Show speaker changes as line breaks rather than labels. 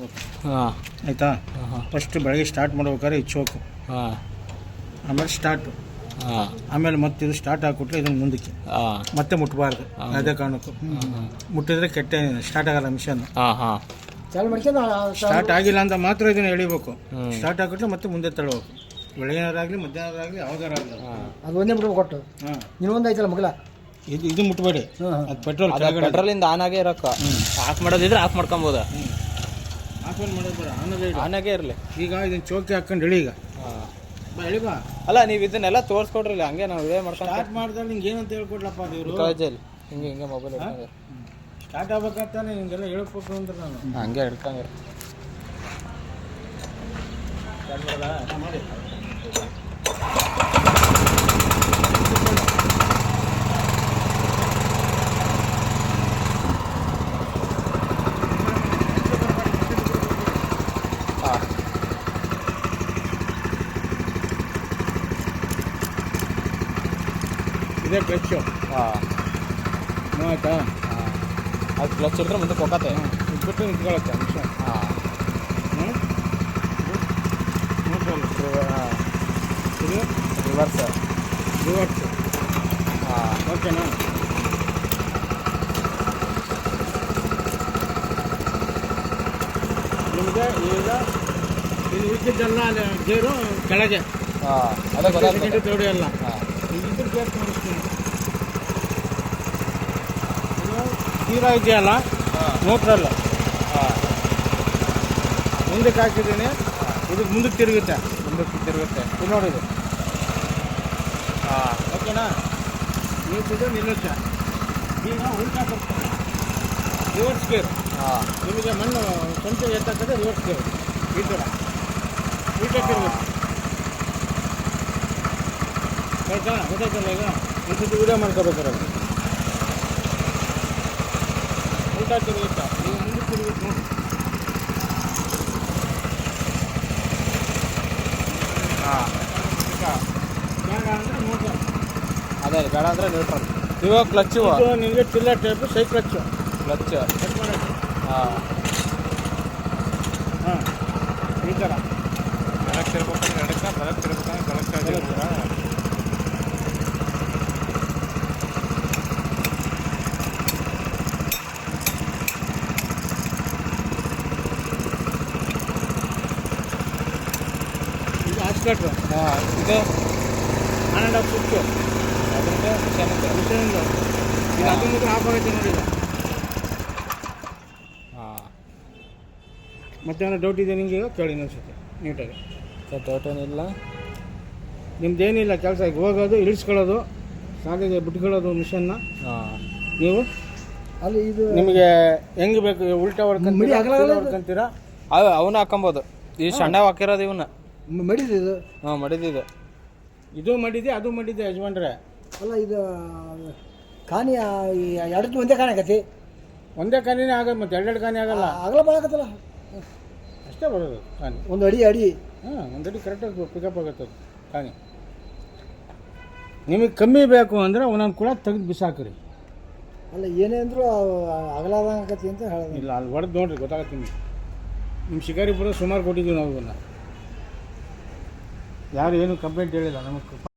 ಹಾಂ
ಆಯಿತಾ. ಫಸ್ಟ್ ಬೆಳಗ್ಗೆ ಸ್ಟಾರ್ಟ್ ಮಾಡ್ಬೇಕಾದ್ರೆ ಈ ಚೋಕು,
ಹಾಂ
ಆಮೇಲೆ ಸ್ಟಾರ್ಟು,
ಹಾಂ
ಆಮೇಲೆ ಮತ್ತೆ ಇದು ಸ್ಟಾರ್ಟ್ ಹಾಕ್ಬಿಟ್ರೆ ಇದನ್ನು ಮುಂದಕ್ಕೆ
ಹಾಂ
ಮತ್ತೆ ಮುಟ್ಟಬಾರ್ದು. ಅದೇ ಕಾರಣಕ್ಕೂ ಮುಟ್ಟಿದ್ರೆ ಕೆಟ್ಟ ಸ್ಟಾರ್ಟ್ ಆಗಲ್ಲ ಮಿಷನ್.
ಹಾಂ ಹಾಂ
ಸ್ಟಾರ್ಟ್ ಆಗಿಲ್ಲ ಅಂತ ಮಾತ್ರ ಇದನ್ನು ಎಳಿಬೇಕು. ಸ್ಟಾರ್ಟ್ ಹಾಕಿಟ್ರೆ ಮತ್ತೆ ಮುಂದೆ ತಳ್ಳಬೇಕು. ಬೆಳಗಿನಾರಾಗಲಿ ಮಧ್ಯಾಹ್ನರಾಗಲಿ ಯಾವ್ದಾರಾಗಲಿ
ಅದು ಒಂದೇ ಮುಟ್ಬೇಕು ಕೊಟ್ಟು.
ಹಾಂ
ಇನ್ನೊಂದು ಐತಲ್ಲ ಮಗಲ,
ಇದು ಮುಟ್ಬೇಡಿ. ಅದು ಪೆಟ್ರೋಲ್
ಪೆಟ್ರೋಲಿಂದ ಆನ್ ಆಗೇ ಇರೋಕ್ಕ ಆಫ್ ಮಾಡೋದಿದ್ರೆ ಆಫ್ ಮಾಡ್ಕೊಬೋದು.
ಆಫ್ ಮಾಡೋದು ಬೇಡ, ಆನದೇ ಇಡು.
ಆನಾಗೇ ಇರಲಿ.
ಈಗ ಇದನ್ನು ಚೌಕಿ ಹಾಕೊಂಡು ಎಳಿ. ಈಗ
ಹಾಂ
ಬಾ ಎಳಿ ಬಾ.
ಅಲ್ಲ ನೀವು ಇದನ್ನೆಲ್ಲ ತೋರಿಸ್ಕೊಡ್ರಲ್ಲ, ಹಂಗೆ ನಾವು ಇದೇ ಮಾಡ್ಕೊಂಡು
ಸ್ಟಾರ್ಟ್ ಮಾಡಿದ್ರೆ ನಿಂಗೆ ಏನಂತ ಹೇಳ್ಕೊಡ್ಲಪ್ಪ ದೇವರು.
ಕಾಲೇಜಲ್ಲಿ ಹಿಂಗೆ ಹಿಂಗೆ ಮೊಬೈಲ್ ಹಿಡ್ಕೊಂಡು
ಸ್ಟಾರ್ಟ್ ಆಗ್ಬೇಕಂತಾನೆ ನಿಂಗೆಲ್ಲ ಹೇಳ್ಬೇಕು ಅಂದ್ರೆ ನಾನು
ಹಂಗೆ ಹಿಡ್ಕೊಂಡ್ರೆ
ಸ್ಟಾರ್ಟ್ ಮಾಡೋದಾ? ಮಾಡಿ.
ಹಾಂ
ಇದೇ ಕ್ಲಚ್ಚು.
ಹಾಂ
ಆಯ್ತಾ?
ಹಾಂ ಅದು ಕ್ಲಚ್ ಹಿಡಿದ್ರೆ ಮುಂದೆ ಹೋಗತ್ತೆ.
ಇಟ್ಬಿಟ್ಟು ನಿಂತ್ಕೊಳ್ಳುತ್ತೆ ನಿಮಿಷ.
ಹಾಂ
ಹಾಂ ಇದು
ರಿವರ್ಸ್.
ರಿವರ್ಸ್.
ಹಾಂ
ಓಕೆನಾ? ನಿಮಗೆ ಈಗ ಇದು ಉಳಿದಿದ್ದೆಲ್ಲ ಅಲ್ಲಿ ಗೇರು ಕೆಳಗೆ,
ಹಾಂ ಅದೇ ಗೊತ್ತಾಗ್ತದೆ.
ತೋಡಿ ಎಲ್ಲ
ಹಾಂ
ಇದ್ರ ಗೇರ್ ತೋರಿಸ್ತೀನಿ. ಇದು ತೀರಾ ಇದೆಯಲ್ಲ
ಹಾಂ
ಮೋಟ್ರಲ್ಲ,
ಹಾಂ
ಮುಂದಕ್ಕೆ ಹಾಕಿದ್ದೀನಿ. ಇದು ಮುಂದಕ್ಕೆ ತಿರುಗುತ್ತೆ.
ಮುಂದಕ್ಕೆ ತಿರುಗುತ್ತೆ.
ಇದು ನೋಡಿದು.
ಹಾಂ
ಓಕೆನಾ? ನಿಲ್ಸಿದ್ರೆ ನಿಲ್ಲುತ್ತೆ. ಈಗ ಉಲ್ಟಾ ಬರ್ತಾನೆ ರಿವರ್ಸ್ ಗೇರ್.
ಹಾಂ
ನಿಮಗೆ ಮಣ್ಣು ಸ್ವಂತ ಎತ್ತಕ್ಕಂದ್ರೆ ರಿವರ್ಸ್ ಗೇರ್ ಈ ಥರ ಉಲ್ಟಾ ತಿರುಗುತ್ತೆ. ಆಯ್ತಾ? ಗೊತ್ತಾಯ್ತಲ್ಲ? ಈಗ ಒಂದ್ಸತಿ ವಿಡಿಯೋ ಮಾಡ್ಕೋಬೇಕಾರೆ ಉಲ್ಟಾ ತಿರುಗುತ್ತೆ. ಈಗ ಮುಂದೆ ತಿರುಗುತ್ತೆ ನೋಡಿ.
ಹಾಂ
ಬೇಡ ಅಂದರೆ ಮೋಟರ್.
ಅದೇ ಬೇಡ ಅಂದರೆ ನ್ಯೂಟ್ರಲ್. ಇವಾಗ ಕ್ಲಚ್ಚು
ಇದು ನಿಮಗೆ ಟಿಲ್ಲರ್ ಟೈಪು ಸೈ ಕ್ಲಚ್ಚು.
ಕ್ಲಚ್.
ಕಟ್ ಮಾಡೋಕ್ಕೆ.
ಹಾಂ
ಹಾಂ ಈ ಥರ
ಎಡಕ್ಕೆ ತಿರ್ಬೇಕಂದ್ರೆ ಎಡಕ್ಕೆ, ಬಲಕ್ಕೆ ತಿರ್ಬೇಕಂದ್ರೆ ಬಲಕ್ಕೆ.
ಇದು ಆಸ್ಕಟ್ರು.
ಹಾಂ ಇದು
1.5 ಸ್ವಿಚ್ಚು
ಅದರಿಂದ ಚೆನ್ನಾಗಿದೆ.
ಮಿಷನಿಂದ. ಇದು ಅದೊಂದು ಆಫ್ ಆಗೈತೆ ನೋಡಿ. ಈಗ
ಹಾಂ
ಮತ್ತೆ ಏನೋ ಡೌಟ್ ಇದೆ ನಿಮಗೆ? ಈಗ ಕೇಳಿ ಇನ್ನೊಂದ್ಸತಿ ನೀಟಾಗಿ.
ತೋಟನಿಲ್ಲ.
ನಿಮ್ದೇನಿಲ್ಲ ಕೆಲಸ. ಈಗ ಹೋಗೋದು, ಇಳಿಸ್ಕೊಳ್ಳೋದು, ಸಾಲಿಗೆ ಬಿಟ್ಕೊಳ್ಳೋದು ಮಿಷನ್ನ.
ಹಾಂ
ನೀವು
ಅಲ್ಲಿ ಇದು
ನಿಮಗೆ ಹೆಂಗೆ ಬೇಕು ಉಲ್ಟಾ
ಮಿಡಿ ಅಗಲ ಅಗಲ ಇದು.
ಹೊಡ್ಕೊಂತೀರಾ?
ಅವನ್ನ ಹಾಕೊಬೋದು. ಈ ಸಣ್ಣ ಹಾಕಿರೋದು ಇವನ್ನ.
ಮಡಿದು ಇದು.
ಹಾಂ ಮಡಿದಿದೆ.
ಇದು ಮಾಡಿದೆ, ಅದು ಮಾಡಿದೆ ಯಜಮಾನ್ರೆ.
ಅಲ್ಲ ಇದು ಕಾನಿ ಎರಡಕ್ಕೆ ಒಂದೇ ಕಾಣಿ ಆಗತ್ತೆ.
ಒಂದೇ ಕಾನಿನೇ ಆಗೋದು, ಮತ್ತೆ ಎರಡೆರಡು ಕಾನಿ ಆಗಲ್ಲ.
ಅಗಲ ಬಾಳಕತ್ತಲ್ಲ,
ಅಷ್ಟೇ ಬರೋದು ಕಾನಿ.
ಒಂದು ಅಡಿ ಅಡಿ.
ಹಾಂ, ಒಂದಡಿ ಕರೆಕ್ಟಾಗಿ ಪಿಕಪ್ ಆಗುತ್ತೆ ಅದು ಕಾನಿ. ನಿಮಗೆ ಕಮ್ಮಿ ಬೇಕು ಅಂದರೆ ಒಂದೊಂದು ಕೂಡ ತೆಗೆದು ಬಿಸಾಕ್ರಿ.
ಅಲ್ಲ ಏನೇ ಅಂದರೂ ಅಗಲಾದಂಗತಿ ಅಂತ ಹೇಳೋದು.
ಇಲ್ಲ, ಅಲ್ಲಿ ಹೊಡೆದು ನೋಡ್ರಿ ಗೊತ್ತಾಗತ್ತೆ ನಿಮಗೆ. ನಿಮ್ಮ ಶಿಕಾರಿಪುರ ಸುಮಾರು ಕೊಟ್ಟಿದ್ದೀವಿ ನಾವು ಇವನ್ನ. ಯಾರು ಏನು ಕಂಪ್ಲೇಂಟ್ ಹೇಳಿಲ್ಲ ನಮಗೆ.